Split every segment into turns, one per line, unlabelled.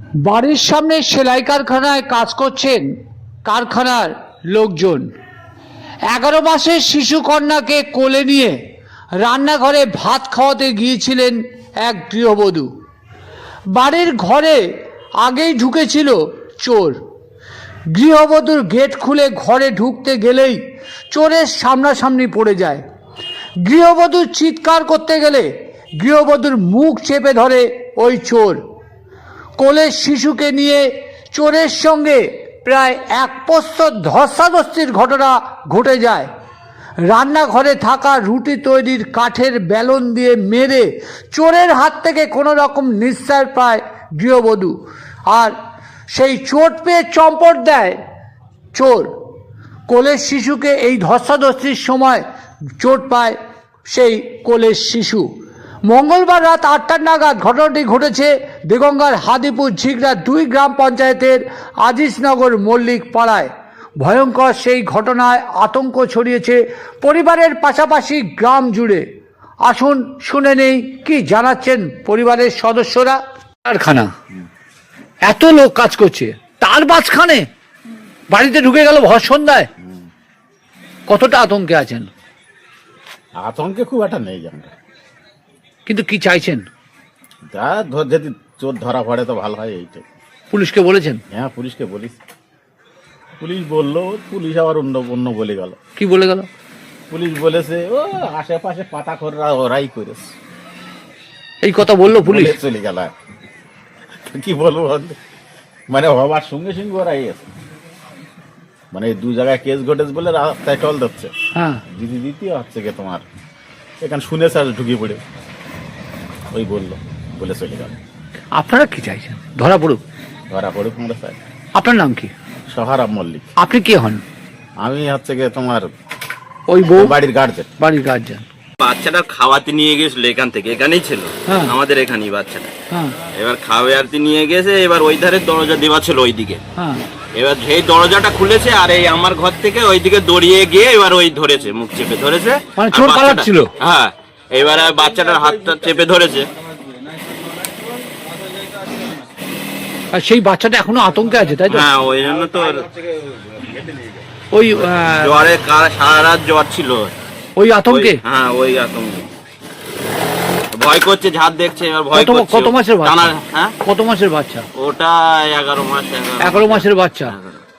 বাড়ির সামনে সেলাই কারখানায় কাজ করছেন কারখানার লোকজন। 11 মাসের শিশু কন্যাকে কোলে নিয়ে রান্নাঘরে ভাত খাওয়াতে গিয়েছিলেন এক গৃহবধূ। বাড়ির ঘরে আগেই ঢুকেছিল চোর। গৃহবধূর গেট খুলে ঘরে ঢুকতে গেলেই চোরের সামনাসামনি পড়ে যায়। গৃহবধূ চিৎকার করতে গেলে গৃহবধূর মুখ চেপে ধরে ওই চোর। কোলের শিশুকে নিয়ে চোরের সঙ্গে প্রায় 1 প্রস্তর ধস্তাধস্তির ঘটনা ঘটে যায়। রান্নাঘরে থাকা রুটি তৈরির কাঠের বেলন দিয়ে মেরে চোরের হাত থেকে কোনো রকম নিস্তার পায় গৃহবধূ, আর সেই চোট পেয়ে চম্পট দেয় চোর। কোলের শিশুকে এই ধস্তাধস্তির সময় চোট পায় সেই কোলের শিশু। মঙ্গলবার রাত 8টা নাগাদ ঘটনাটি ঘটেছে দেগঙ্গার হাদিপুর ঝিগড়া 2 গ্রাম পঞ্চায়েতের আজিজনগর মল্লিক পাড়ায়। ভয়ঙ্কর সেই ঘটনায় আতঙ্ক ছড়িয়েছে পরিবারের পাশাপাশি গ্রাম জুড়ে। আসুন শুনে নেই কি জানাচ্ছেন পরিবারের সদস্যরা। কারখানা, এত লোক কাজ করছে, তার মাঝখানে বাড়িতে ঢুকে গেল ভর সন্ধ্যায়। কতটা আতঙ্কে আছেন?
আতঙ্কে খুব একটা নেই আমরা,
কিন্তু কি চাইছেন?
যা যদি চোর ধরা পড়ে তো ভালো হয় এইটাই।
পুলিশকে বলেছেন?
হ্যাঁ, পুলিশকে বলিস, পুলিশ বললো, পুলিশ আবার অন্য বলে গেল।
কি বলে গেল?
পুলিশ বলেছে ও আশেপাশে পাতা খোররা ওরাই করেছে,
এই কথা বললো পুলিশ?
চলে গেল। কি বলবো, মানে হবার সঙ্গে সঙ্গে ওরাই আছে, মানে 2 জায়গায় কেস ঘটেছে বলে রাস্তায় টল দিচ্ছে।
হ্যাঁ,
দ্বিতীয় হচ্ছে কি তোমার এখানে শুনেছে আর ঢুকে পড়ে ওই বললো বলে চলে গেল।
আপনারা কি চাইছেন? ধরা পড়ুক?
ধরা পড়ুক আমরা চাই।
আপনার নাম কি?
সোহারাব মল্লিক।
আপনি কে হন?
আমি হচ্ছে গিয়ে তোমার
ওই বউ
বাড়ির গার্জেন।
বাড়ির গার্জেন।
বাচ্চাটা খাওয়াতে নিয়ে গেছিল, এখান থেকে এখানেই ছিল,
হ্যাঁ।
আমাদের এখানেই বাচ্চাটা।
হ্যাঁ
এবার খাওয়াতে নিয়ে গেছে, এবার ওই ধারে দরজা দেওয়া ছিল ওইদিকে।
হ্যাঁ।
এবার সেই দরজাটা খুলেছে আর এই আমার ঘর থেকে ওইদিকে দড়িয়ে গিয়ে এবার ওই ধরেছে, মুখ চেপে ধরেছে।
মানে
আর
চোর
বাচ্চাটা-
পালাচ্ছিল?
হ্যাঁ, এবার আর বাচ্চাটার হাতটা চেপে ধরেছে।
আর সেই বাচ্চাটা এখনো আতঙ্কে আছে, তাই তো?
হ্যাঁ, ওই জন্য তো
ওই
জ্বরে সারা রাত জ্বর ছিল।
ওই আতঙ্কে?
হ্যাঁ, ওই আতঙ্কে ভয় করছে, ঝাঁত দেখছে, এবার ভয়
কত
করছে।
কত মাসের বাচ্চা?
হ্যাঁ,
কত মাসের বাচ্চা?
ওটা 11 মাস।
11 মাসের বাচ্চা।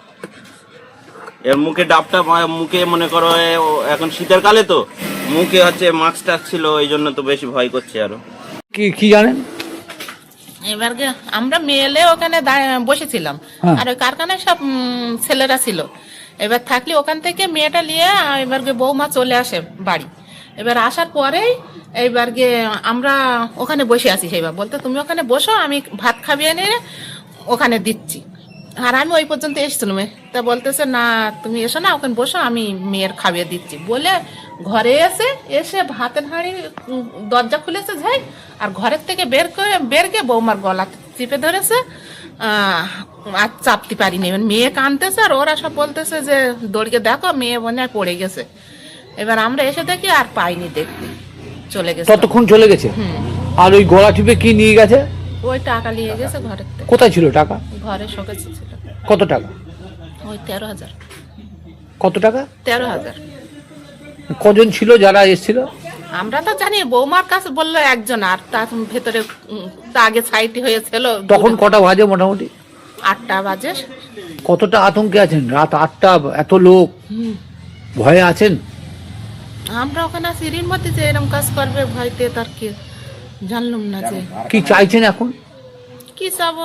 এর মুখে ডাবটা, মুখে মনে করো এখন শীতের কালে তো মুখে হচ্ছে মাস্ক টাক ছিল, এই জন্য তো বেশি ভয় করছে আরো।
কি কি জানেন?
এবার আমরা মেয়েলে ওখানে বসেছিলাম,
হ্যাঁ।
আর ওই কারখানায় সব ছেলেরা ছিল। এবার থাকলে ওখান থেকে মেয়েটা নিয়ে এবার বৌমা চলে আসে বাড়ি। এবার আসার পরেই এইবার আমরা ওখানে বসে আছি। সেইবার বলতে তুমি ওখানে বসো, আমি ভাত খাবিয়ে নিয়ে ওখানে দিচ্ছি। আর আমি ওই পর্যন্ত এসেছিলাম, তা বলতেছে না তুমি এসো না, ওখানে বসো, আমি মেয়ের খাবিয়ে দিচ্ছি বলে ঘরে এসে ভাতের হাঁড়ি দরজা খুলেছে যাই, আর ঘরের থেকে বের গিয়ে বৌমার গলা চিপে ধরেছে। আর চাপতে পারিনি, মেয়ে কাঁদতেছে আর ওরা সব বলতেছে যে দড়িয়ে দেখো মেয়ে মনে হয় পড়ে গেছে। এবার আমরা এসে দেখি আর পাইনি, দেখতে চলে গেছে।
ততক্ষণ চলে গেছে? আর ওই গলা টিপে কি নিয়ে গেছে?
ওই টাকা নিয়ে গেছে ঘরের থেকে।
কোথায় ছিল টাকা?
ঘরে শোকেছে ছিল।
কত টাকা?
ওই 13,000।
কত টাকা?
13,000।
কজন ছিল যারা এসেছিল?
আমরা তো জানি বৌমার কাছে বললো একজন, আর তার ভেতরে তা আগে সাইটি হয়েছিল।
তখন কটা বাজে মোটামুটি?
8টা বাজে।
কতটা আতঙ্কে আছেন? রাত 8টা, এত লোক, ভয়ে আছেন?
আমরা ওখানে সিঁড়ির মধ্যে যে এরকম কাজ করবে ভয়তে তার কি জানলাম না। যে
কি চাইছেন এখন?
কি চাবো?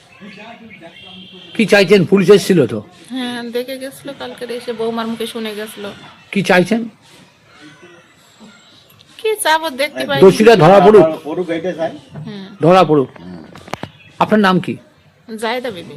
কি চাইছেন? পুলিশ এসেছিল তো?
হ্যাঁ, দেখে গেছিল কালকে, এসে বৌমার মুখে শুনে গেছিল।
কি চাইছেন?
কি চাবো, দেখতে পাই।
দোষীরা ধরা পড়ুক।
হ্যাঁ,
ধরা পড়ুক। আপনার নাম কি?
জায়দা বিবি।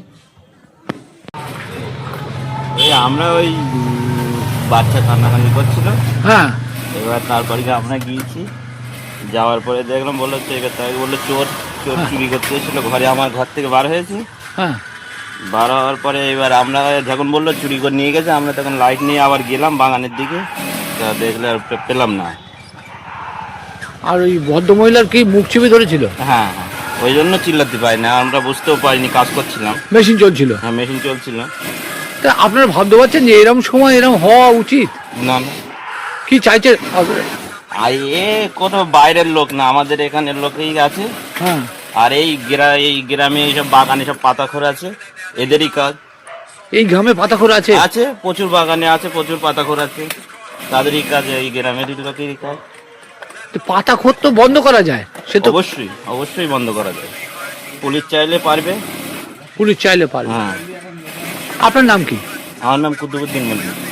ওই আমরা ওই বাচ্চা কান্নাকান্নি করছিল,
হ্যাঁ।
এবার তারপরে আমরা গিয়েছি, যাওয়ার পরে দেখলাম বললো এবার তাই বললো চোর চুরি করতে এসেছিল ঘরে, আমার ঘর থেকে বার হয়েছে।
হ্যাঁ।
বার হওয়ার পরে এবার আমরা যখন বললো চুরি করে নিয়ে গেছে, আমরা তখন লাইট নিয়ে আবার গেলাম বাগানের দিকে, তা দেখলে আর পেলাম না।
আর ওই ভদ্রমহিলার কি মুখ চিপে ধরেছিল?
হ্যাঁ হ্যাঁ। ওই জন্য চিল্লাতে পারি না, আমরা বুঝতেও পারিনি, কাজ করছিলাম।
মেশিন চলছিল।
হ্যাঁ, মেশিন চলছিল।
তা আপনারা ভাবতে পারছেন যে এরকম সময় এরকম হওয়া উচিত?
না না,
কি চাইছে?
আর এ কোনো বাইরের লোক না, আমাদের এখানের লোকই আছে।
হ্যাঁ,
আর এই গ্রামে এইসব বাগানে সব পাতা খোর আছে, এদেরই কাজ।
এই গ্রামে পাতাখোর আছে?
আছে, প্রচুর বাগানে আছে, প্রচুর পাতা খোর আছে, তাদেরই কাজ, এই গ্রামেরই লোকেরই কাজ।
তো পাতাখোর তো বন্ধ করা যায়, সে তো
অবশ্যই অবশ্যই বন্ধ করা যায়, পুলিশ চাইলে পারবে।
পুলিশ চাইলে পারবে।
হ্যাঁ।
আপনার নাম কি?
আমার নাম কুতুবুদ্দিন মল্লিক।